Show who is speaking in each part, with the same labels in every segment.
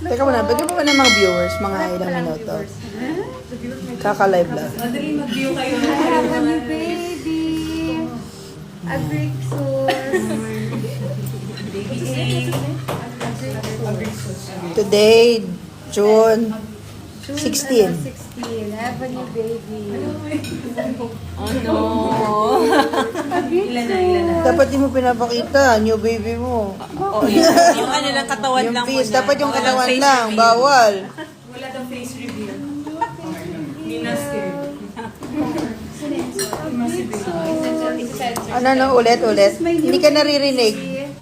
Speaker 1: Teka muna, bigyan mo ng mga viewers, mga ilang minuto. Kaka-live lang.
Speaker 2: Madali mag-view kayo.
Speaker 3: I have a new baby. A Greek sauce.
Speaker 1: Today, June 16.
Speaker 3: 16. I have a new baby.
Speaker 2: Oh no. Ilan na?
Speaker 1: Dapat di mo pinapakita, new baby mo.
Speaker 2: Oh, yung ano lang, katawan
Speaker 1: Yung
Speaker 2: lang
Speaker 1: face,
Speaker 2: muna.
Speaker 1: dapat yung
Speaker 2: Walang
Speaker 1: katawan
Speaker 2: face
Speaker 1: lang,
Speaker 2: reveal.
Speaker 1: bawal.
Speaker 2: Wala daw face reveal. Hindi na scared.
Speaker 1: Ano, ulit. Hindi ka naririnig.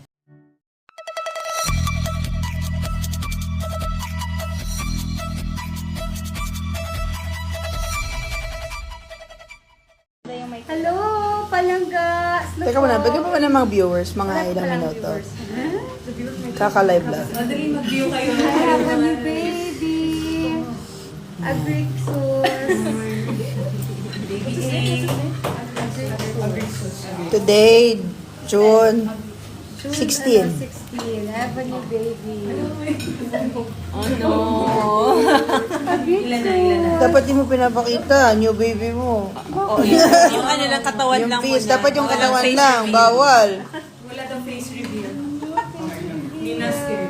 Speaker 3: Hello, palangga.
Speaker 1: Teka muna, bigyan mo ng mga viewers, mga ilang minuto. Kaka-live lang.
Speaker 2: Madali mag-view kayo.
Speaker 3: I have a new baby. A Greek sauce.
Speaker 1: Today, June 16.
Speaker 3: 16. I have a new baby.
Speaker 2: Oh no. Ilan na?
Speaker 1: Dapat di mo pinapakita, new baby mo.
Speaker 2: Oh, yung ano lang, katawan
Speaker 1: Yung
Speaker 2: lang
Speaker 1: face,
Speaker 2: muna.
Speaker 1: dapat yung
Speaker 2: Walang
Speaker 1: katawan
Speaker 2: face
Speaker 1: lang,
Speaker 2: reveal.
Speaker 1: bawal.
Speaker 2: Wala daw face reveal. Hindi na scared.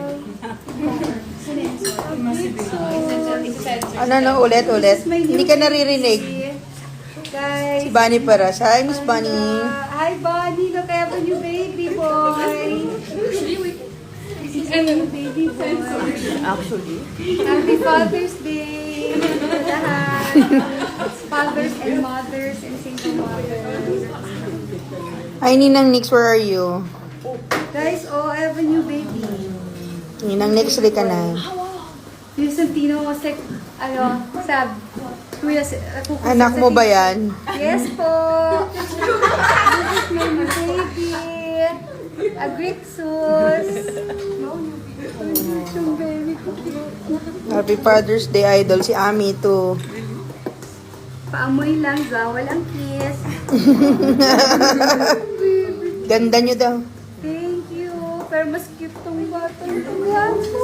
Speaker 1: Ano, ulit. Hindi ka naririnig.
Speaker 3: Guys.
Speaker 1: Si Bunny para. Hi, Miss Bunny.
Speaker 3: Hi, Bunny. Look, I have a new baby boy. This is a new baby boy.
Speaker 1: Actually.
Speaker 3: Happy Father's Day. sa lahat. Fathers and mothers and single mothers.
Speaker 1: Hi, Ninang Nix, where are you?
Speaker 3: Guys, oh, I have a new baby.
Speaker 1: Ninang Nix, ka na.
Speaker 3: Yung Santino kasi, sab. Kuya,
Speaker 1: Anak mo ba yan?
Speaker 3: Yes po. This is my new baby. A Greek sauce. Yung baby ko.
Speaker 1: Happy Father's Day, idol. Si Ami, too.
Speaker 3: Paamoy lang, walang kiss.
Speaker 1: Ganda nyo daw.
Speaker 3: Thank you. Pero mas cute tong batang to. Gwapo.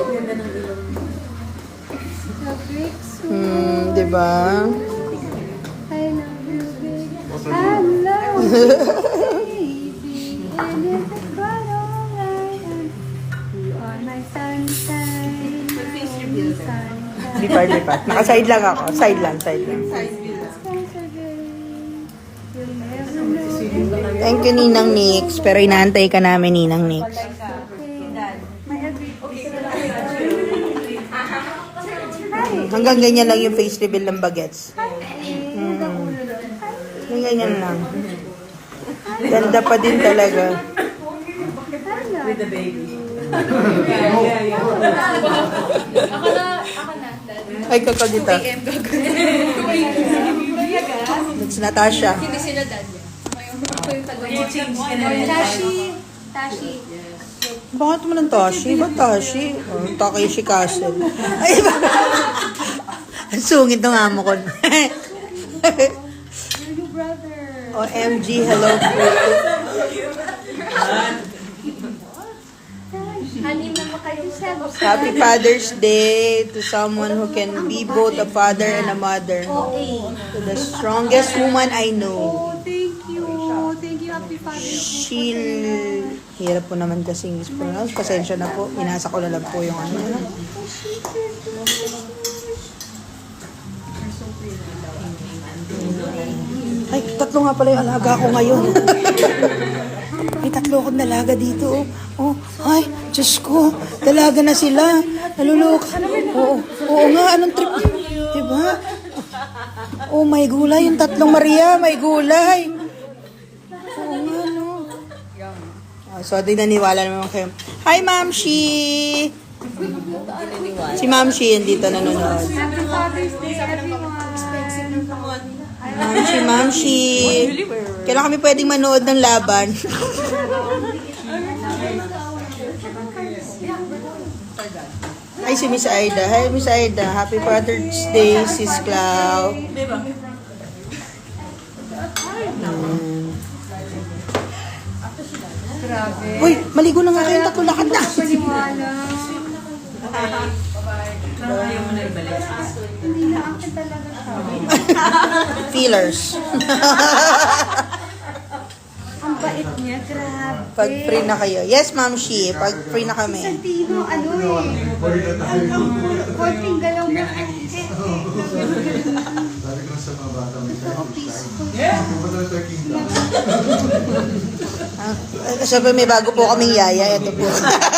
Speaker 3: A Greek sauce.
Speaker 1: Diba?
Speaker 3: I love you, baby. I love you, baby. And if it's but alright, you are my sunshine. Only sunshine.
Speaker 1: Lipat. Naka-side lang ako. Side lang.
Speaker 3: You'll never know.
Speaker 1: Thank you, Ninang Nix. Pero inaantay ka namin, Ninang Nix.
Speaker 3: My Greek
Speaker 1: Hanggang ganyan lang yung face reveal ng bagets. Hanggang ganyan lang. Ganda pa din talaga.
Speaker 2: With the baby.
Speaker 1: Ay, kakagita. It's Natasha.
Speaker 4: Hindi sila dad niya.
Speaker 2: Change ka na rin.
Speaker 3: Tashi.
Speaker 1: Bakit mo ng Tashi? Ba't Tashi? Oh, Takeshi Castle. Ay, ba? Ang sungit ng amo ko.
Speaker 3: You're your brother.
Speaker 1: OMG, hello.
Speaker 3: Halim naman kayo sa
Speaker 1: Happy Father's Day to someone who can be both a father and a mother. To the strongest woman I know.
Speaker 3: Oh, thank you. Thank you, Happy Father's Day.
Speaker 1: She'll... Hirap po naman kasing is-pronounce. Pasensya na po. Inasa ko na lang po yung ano. Ay, tatlo nga pala yung alaga ko ngayon. May tatlo akong dalaga dito. Oh, ay, Diyos ko. Dalaga na sila. Nalulok. Oo nga, anong trip? Diba? Oh, may gulay. Yung tatlong Maria, may gulay. Oo nga, no. So, di naniwala naman kayo. Hi, Mamshi! Si Mamshi yun dito nanonood.
Speaker 3: Happy Father's Day, everyone.
Speaker 1: Mamshi! Kailan kami pwedeng manood ng laban? Ay, si Miss Aida. Hi, Miss Aida. Happy Father's Day, Sis Clau.
Speaker 3: Grabe.
Speaker 1: Uy, maligo na nga kayong tatlo lakad na.
Speaker 3: Paniwala.
Speaker 2: Parang ayaw mo na ibalik.
Speaker 3: Hindi na akin talaga siya.
Speaker 1: Feelers.
Speaker 3: Ang bait niya, grabe.
Speaker 1: Pag free na kayo. Yes, Ma'am Shi. Pag free na kami.
Speaker 3: Santino, ano eh. Konting galaw mo.
Speaker 4: Sabi ko sa mga bata, may
Speaker 3: Peaceful.
Speaker 4: pupunta na tayo kingdom.
Speaker 1: Siyempre may bago po kaming yaya. Ito po.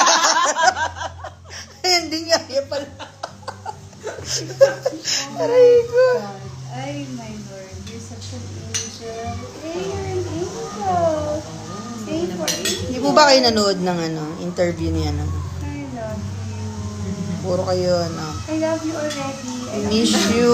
Speaker 1: Ayun din yaya pala. Aray ko.
Speaker 3: Ay, my Lord, you're such an angel. Hey, you're an angel. Stay for it.
Speaker 1: Hindi po ba kayo nanood ng interview niya?
Speaker 3: I love you.
Speaker 1: Puro kayo,
Speaker 3: I love you already.
Speaker 1: I miss you.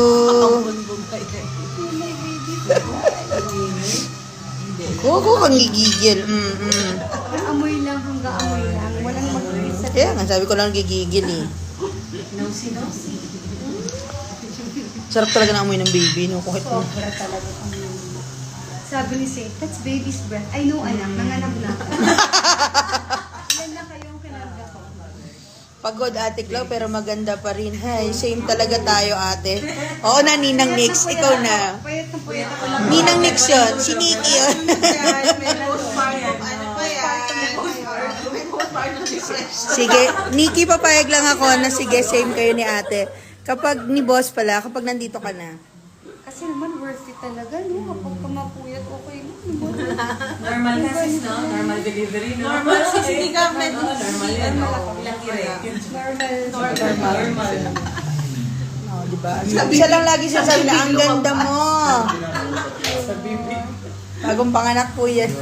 Speaker 1: Gogo kang gigigil.
Speaker 3: Amoy lang hanggang amoy lang. Walang mag-isa.
Speaker 1: Kaya nga, sabi ko lang gigigil eh.
Speaker 2: Nosy.
Speaker 1: Sarap talaga ng amoy ng baby, no? Kahit
Speaker 3: Sobra talaga kami. Sabi ni Saint, that's baby's breath. I know, anak. Nanganak na. Ilan na kayong kinarga ko?
Speaker 1: pagod ate Clau, pero maganda pa rin. Hay, same talaga tayo ate. Oo na, Ninang Nix, ikaw na.
Speaker 3: Puyat na puyat ako lang.
Speaker 1: Ninang Nix yun, si Nikki yun. Sige, Nikki, papayag lang ako na sige, same kayo ni ate. Kapag ni boss pala, kapag nandito ka na.
Speaker 3: Kasi naman worth it talaga, no? Kapag pumapuyat, okay mo.
Speaker 2: Normal kasi, no? Normal delivery, no? Normal sis, hindi ka normal yan, no? Ilang Normal.
Speaker 1: Oh, di ba? Siya lang lagi sasabi na, ang ganda mo. Bagong panganak po yan.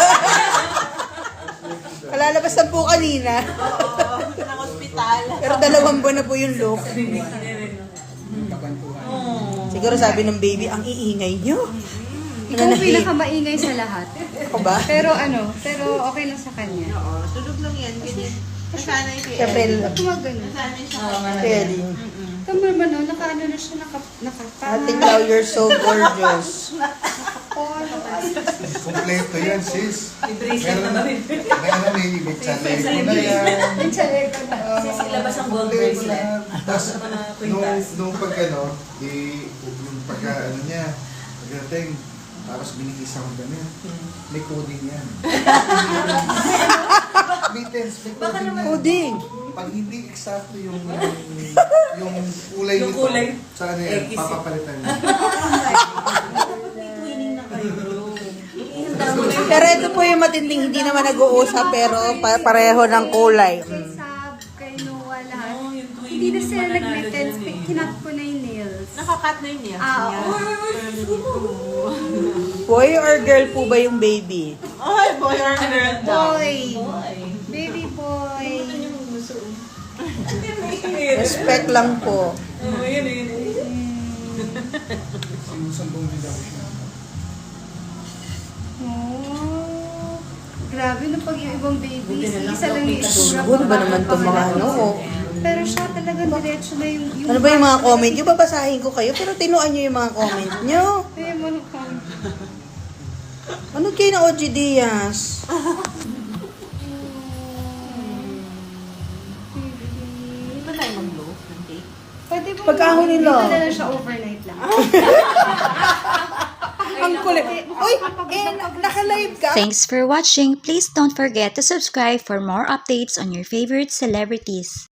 Speaker 1: Kalalabas na po kanina.
Speaker 2: Ng ospital.
Speaker 1: Pero 2 buwan na po yung look. Siguro sabi ng baby, ang iingay nyo.
Speaker 3: Ikaw ang pinakamaingay sa lahat.
Speaker 1: Ako ba?
Speaker 3: Pero okay lang sa kanya.
Speaker 2: Tulog lang yan. Ganyan. Nasanay siya.
Speaker 1: Siyempre,
Speaker 3: Tumagano.
Speaker 2: Nasanay siya.
Speaker 1: pwede.
Speaker 3: Tama naman, no? Nakaano na siya, nakapa.
Speaker 1: Ate Clau, you're so gorgeous.
Speaker 4: Kompleto yan, sis.
Speaker 2: I-bracelet na ba rin?
Speaker 4: May challenge ko na yan.
Speaker 3: Ang tsalego na.
Speaker 2: Sis, ilabas ang gold
Speaker 4: Kompleto
Speaker 2: bracelet.
Speaker 4: na. Tapos,
Speaker 2: Mga kwintas.
Speaker 4: nung pag yung pagka niya, pagdating, tapos binihis ako ganyan. May coding yan. May tense, may coding yan.
Speaker 1: Puding.
Speaker 4: Pag hindi eksakto yung kulay
Speaker 2: Yung
Speaker 4: nito,
Speaker 2: kulay.
Speaker 4: sa ano yan,
Speaker 2: X.
Speaker 4: papapalitan niya.
Speaker 2: Twinning na kayo, bro.
Speaker 1: Pero ito po yung matinding, hindi naman nag-uusap, pero pareho ng kulay.
Speaker 3: Kay Sab, kay Noah, lahat.
Speaker 2: Oo, yung twinning
Speaker 3: Hindi na
Speaker 2: yung
Speaker 3: sila
Speaker 2: pananalo
Speaker 3: nag-pretend.
Speaker 2: dyan eh.
Speaker 3: Kinat ko na yung nails.
Speaker 2: Nakakat na yun niya.
Speaker 3: Oo.
Speaker 1: Boy or girl po ba yung baby?
Speaker 2: Ay, boy or girl daw.
Speaker 3: Boy.
Speaker 2: Boy.
Speaker 3: Baby boy.
Speaker 1: Respect lang po.
Speaker 2: Oo, yun, yun.
Speaker 4: Sinusambong din ako siya.
Speaker 3: Oh. Grabe na pag yung ibang baby.
Speaker 2: Buti na lang
Speaker 3: Isa lang yung itsura.
Speaker 1: Siguro ba naman itong mga ano?
Speaker 3: Pero siya talaga diretso na yung...
Speaker 1: Ano ba yung mga comment nyo? Babasahin ko kayo, pero tinuan nyo yung mga comment nyo.
Speaker 3: Ay, mo nung comment.
Speaker 1: Ano kayo na OG Diaz?
Speaker 2: Hindi ba tayo mag-blow ng cake?
Speaker 3: Pwede ba?
Speaker 1: Pagkahon nila.
Speaker 3: Dito na lang siya overnight lang.
Speaker 1: Ang kulit. Uy, naka-live ka?
Speaker 5: Thanks for watching. Please don't forget to subscribe for more updates on your favorite celebrities.